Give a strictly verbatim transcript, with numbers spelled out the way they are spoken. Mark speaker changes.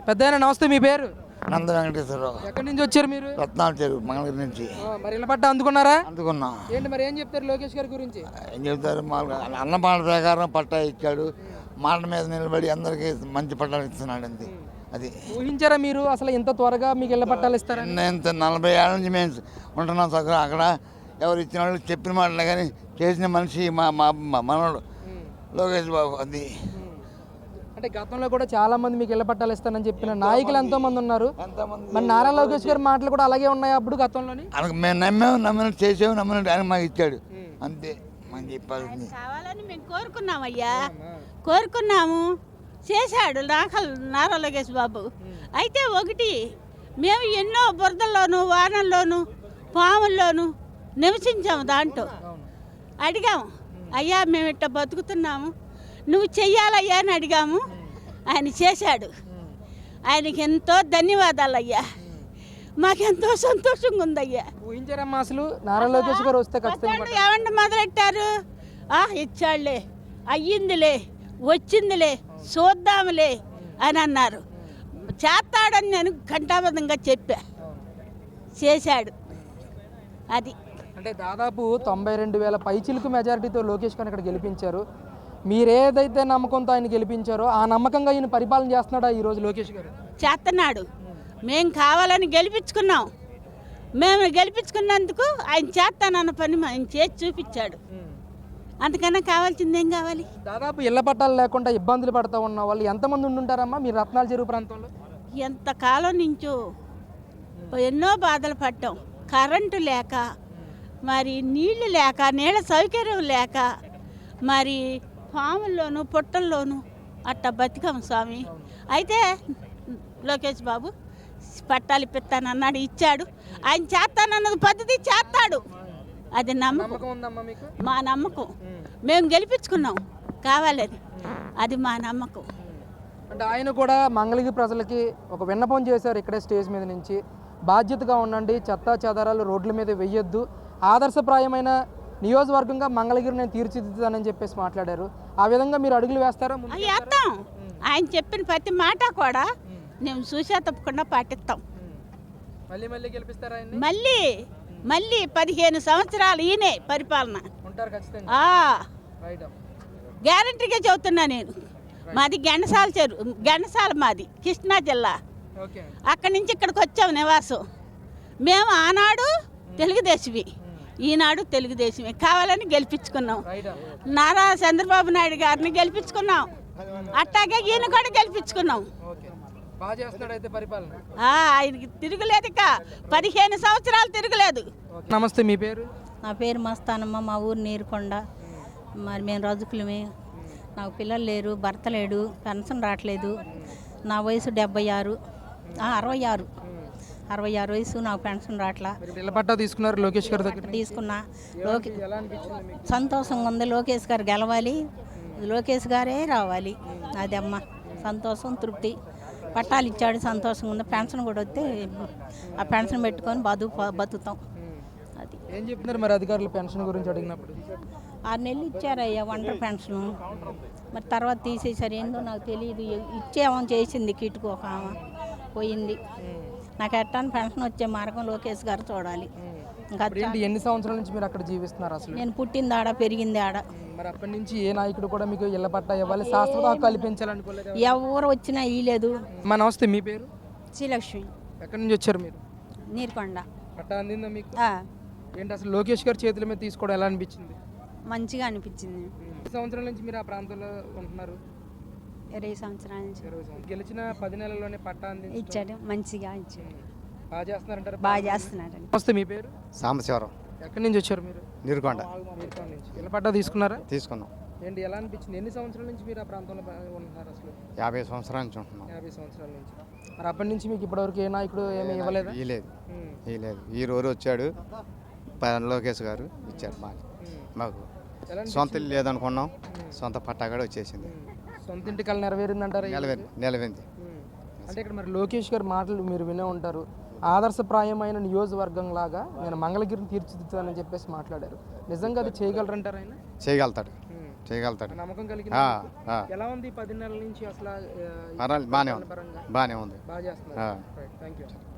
Speaker 1: పెద్దయినా నమస్తే, మీ పేరు?
Speaker 2: నంద వెంకటేశ్వరరావు.
Speaker 1: ఎక్కడి నుంచి వచ్చారు మీరు?
Speaker 2: రత్నాల చెరువు మంగళగిరి నుంచి.
Speaker 1: మరి ఇళ్ళ పట్ట అందుకున్నారా?
Speaker 2: అందుకున్నా.
Speaker 1: ఏంటి మరి ఏం చెప్తారు లోకేష్ గారి గురించి?
Speaker 2: ఏం చెప్తారు, మా అన్న మాట ప్రకారం పట్టా ఇచ్చాడు. మాట మీద నిలబడి అందరికీ మంచి పట్టాలు ఇస్తున్నాడు. అంతే. అది
Speaker 1: ఊహించారా మీరు అసలు ఇంత త్వరగా మీకు ఇళ్ళ పట్టాలు ఇస్తారా?
Speaker 2: నేను నలభై ఏళ్ళ నుంచి మేము ఉంటున్నాం సగం. అక్కడ ఎవరు ఇచ్చిన వాళ్ళు చెప్పిన మాటలే కానీ చేసిన మనిషి మా మా మనోడు లోకేష్ బాబు. అది
Speaker 1: అంటే గతంలో కూడా చాలా మంది మీకు ఇళ్ళ పట్టాలు ఇస్తానని చెప్పిన నాయకులు ఎంతో మంది ఉన్నారు. మరి నారా లోకేష్ గారి మాటలు కూడా అలాగే ఉన్నాయి అప్పుడు గతంలోని.
Speaker 2: మేము నమ్మాము, నమ్మినట్టు చేసాము, నమ్మినట్టు ఆయన మాకు ఇచ్చాడు. అంతే మనం చెప్పాలి.
Speaker 3: కావాలని మేము కోరుకున్నాం అయ్యా, కోరుకున్నాము, చేశాడు నాకల్ నారా లోకేష్ బాబు. అయితే ఒకటి, మేము ఎన్నో బురదల్లోనూ వానల్లోనూ పాముల్లోనూ నివసించాము. దాంట్లో అడిగాము, అయ్యా మేము ఇట్ట బతుకుతున్నాము, నువ్వు చెయ్యాలయ్యా అని అడిగాము. ఆయన చేశాడు. ఆయనకి ఎంతో ధన్యవాదాలు అయ్యా. మాకెంతో సంతోషంగా ఉందయ్యా.
Speaker 1: ఊహించారమ్మా అసలు నారా లోకేష్ గారు వస్తే ఖచ్చితంగా?
Speaker 3: ఏమంటే మొదలెట్టారు, ఇచ్చాడులే, అయ్యిందిలే, వచ్చిందిలే, చూద్దాములే అని అన్నారు. చేస్తాడని నేను ఘంటాబద్ధంగా చెప్పా. చేశాడు. అది
Speaker 1: అంటే దాదాపు తొంభై రెండు వేల పైచిలకు మెజారిటీతో లోకేష్ గారిని ఇక్కడ గెలిపించారు. మీరేదైతే నమ్మకంతో ఆయన గెలిపించారో ఆ నమ్మకంగా ఈయన పరిపాలన చేస్తున్నాడా ఈరోజు లోకేష్ గారు?
Speaker 3: చేస్తున్నాడు. మేము కావాలని గెలిపించుకున్నాం. మేము గెలిపించుకున్నందుకు ఆయన చేస్తానన్న పని ఆయన చేసి చూపించాడు. అంతకన్నా కావాల్సింది ఏం కావాలి?
Speaker 1: దాదాపు ఇళ్ల పట్టాలు లేకుండా ఇబ్బందులు పడుతూ ఉన్న వాళ్ళు ఎంతమంది ఉండుంటారమ్మా మీరు రత్నాల చెరువు ప్రాంతంలో?
Speaker 3: ఎంతకాలం నుంచో ఎన్నో బాధలు పడ్డాం. కరెంటు లేక, మరి నీళ్లు లేక, నీళ్ళ సౌకర్యం లేక, మరి పాముల్లోనూ పుట్టల్లోనూ అట్ట బతికాం స్వామి. అయితే లోకేష్ బాబు పట్టాలు ఇప్పిస్తానన్నాడు, ఇచ్చాడు. ఆయన చేస్తానన్నది పద్ధతి చేస్తాడు. అది నమ్మకం. మా నమ్మకం. మేము గెలిపించుకున్నాం కావాలని, అది మా నమ్మకం.
Speaker 1: అంటే ఆయన కూడా మంగళగిరి ప్రజలకి ఒక విన్నపం చేశారు ఇక్కడే స్టేజ్ మీద నుంచి. బాధ్యతగా ఉండండి, చెత్త చెదారాలు రోడ్ల మీద వెయ్యొద్దు, ఆదర్శప్రాయమైన నియోజకవర్గంగా మంగళగిరి నేను తీర్చిదిద్దుతానని చెప్పేసి మాట్లాడారు. ఆ విధంగా మీరు అడుగులు వేస్తారా?
Speaker 3: వేస్తాం. ఆయన చెప్పిన ప్రతి మాట కూడా మేము చూసా తప్పకుండా పాటిస్తాం.
Speaker 1: మళ్ళీ మళ్ళీ గెలిపిస్తారా?
Speaker 3: మళ్ళీ మళ్ళీ పదిహేను సంవత్సరాలు ఈయనే పరిపాలన
Speaker 1: ఉంటారు ఖచ్చితంగా.
Speaker 3: గ్యారంటీగా చెబుతున్నా నేను. మాది గెండసాల చెరువు, గెండసాల మాది కృష్ణా జిల్లా. అక్కడి నుంచి ఇక్కడికి వచ్చాం నివాసం. మేము ఆనాడు తెలుగుదేశమే, ఈనాడు తెలుగుదేశమే. కావాలని గెలిపించుకున్నాం. నారా చంద్రబాబు నాయుడు గారిని గెలిపించుకున్నాం. అట్టాగే ఈయన కూడా గెలిపించుకున్నాం. ఆయనకి తిరుగులేదు, ఇక పదిహేను సంవత్సరాలు తిరగలేదు.
Speaker 1: నమస్తే, మీ పేరు?
Speaker 4: నా పేరు మస్తానమ్మ, మా ఊరు నీరుకొండ. మరి మేము రజకులమే. నాకు పిల్లలు లేరు, భర్త లేడు, పెన్షన్ రావట్లేదు. నా వయసు డెబ్బై ఆరు అరవై ఆరు అరవై ఆరు వయసు, నాకు పెన్షన్ రావట్లా.
Speaker 1: తీసుకున్నారు లోకేష్ గారి దగ్గర?
Speaker 4: తీసుకున్నా. లోకే సంతోషంగా ఉంది. లోకేష్ గారు గెలవాలి, లోకేష్ గారే రావాలి. అది అమ్మ సంతోషం, తృప్తి. పట్టాలు ఇచ్చాడు, సంతోషంగా ఉంది. పెన్షన్ కూడా వస్తే ఆ పెన్షన్ పెట్టుకొని బతు బతుకుతాం. అది
Speaker 1: ఏం చెప్తున్నారు మరి అధికారులు పెన్షన్ గురించి అడిగినప్పుడు?
Speaker 4: ఆరు నెలలు ఇచ్చారయ్యా ఒంటరి పెన్షను. మరి తర్వాత తీసేసారు, ఏందో నాకు తెలియదు. ఇచ్చేమని చేసింది కిటుకు ఒక ఆమె, పోయింది. నాకు ఎట్టాను పెన్షన్ వచ్చే మార్గం లోకేష్ గారు చూడాలి.
Speaker 1: ఇంకా ఎన్ని సంవత్సరాల నుంచి మీరు అక్కడ జీవిస్తున్నారు అసలు?
Speaker 4: నేను పుట్టింది ఆడ, పెరిగింది ఆడ.
Speaker 1: మరి అప్పటి నుంచి ఏ నాయకుడు కూడా మీకు ఇళ్ల పట్టా ఇవ్వాలి, శాశ్వత హక్కు కల్పించాలనుకోలేదు?
Speaker 4: ఎవరు వచ్చినా ఇయ్యలేదు.
Speaker 1: మా నమస్తే, మీ పేరు?
Speaker 4: శ్రీలక్ష్మి.
Speaker 1: ఎక్కడి నుంచి వచ్చారు మీరు?
Speaker 4: నీరుకొండ.
Speaker 1: పట్టా అందిందా మీకు? ఏంటి అసలు లోకేష్ గారి చేతుల మీద తీసుకోవడం ఎలా అనిపించింది?
Speaker 4: మంచిగా అనిపించింది.
Speaker 1: సంవత్సరాల నుంచి మీరు ఆ ప్రాంతంలో ఉంటున్నారు?
Speaker 4: ఇరవై సంవత్సరాల నుంచి.
Speaker 1: గెలిచిన పది నెలల్లోనే పట్టా అంది
Speaker 4: ఇచ్చాడు, మంచిగా ఇచ్చాడు.
Speaker 1: బాగా చేస్తున్నారంటారు?
Speaker 4: బాగా చేస్తున్నాడు.
Speaker 1: నమస్తే, మీ పేరు?
Speaker 5: సాంబశివరావు.
Speaker 1: ఎక్కడి నుంచి వచ్చారు మీరు?
Speaker 5: నీరుకొండ.
Speaker 1: నీరుకొండ నుంచి. ఇళ్ళ పట్టా తీసుకున్నారా?
Speaker 5: తీసుకున్నాం.
Speaker 1: ఏంటి ఎలా అనిపించింది? ఎన్ని సంవత్సరాల నుంచి మీరు ఆ ప్రాంతంలో ఉంటున్నారు అసలు?
Speaker 5: యాభై సంవత్సరాల నుంచి ఉంటున్నాం.
Speaker 1: యాభై సంవత్సరాల నుంచి. మరి అప్పటి నుంచి మీకు ఇప్పటివరకు ఏ నాయకుడు ఏమీ ఇవ్వలేదు?
Speaker 5: ఇవ్వలేదు, ఇవ్వలేదు. ఈ రోజు వచ్చాడు లోకేష్ గారు, ఇచ్చారు. మాకు మాకు సొంత ఇల్లు లేదనుకున్నాం, సొంత పట్టా కూడా వచ్చేసింది.
Speaker 1: సొంత ఇంటి కళ నెరవేరిందంటారు?
Speaker 5: నెలవేరింది, నెలవేరింది.
Speaker 1: అంటే ఇక్కడ మరి లోకేష్ గారి మాటలు మీరు వినే ఉంటారు. ఆదర్శప్రాయమైన నియోజకవర్గం లాగా నేను మంగళగిరిని తీర్చిదిద్దానని చెప్పేసి మాట్లాడారు. నిజంగా అది చేయగలరంటారు ఆయన?
Speaker 5: చేయగలుగుతాడు. చేయగలుగుతాడు.
Speaker 1: నమ్మకం కలిగింది
Speaker 5: ఆ,
Speaker 1: మీకు?
Speaker 5: ఆ.
Speaker 1: ఎలా ఉంది ఈ పది నెలల నుంచి అసలు ఆ, ఈ
Speaker 5: పర్వాలేదు బాగానే ఉంది
Speaker 1: పరంగా
Speaker 5: బాగానే ఉంది
Speaker 1: బాగా చేస్తున్నారు థ్యాంక్ యూ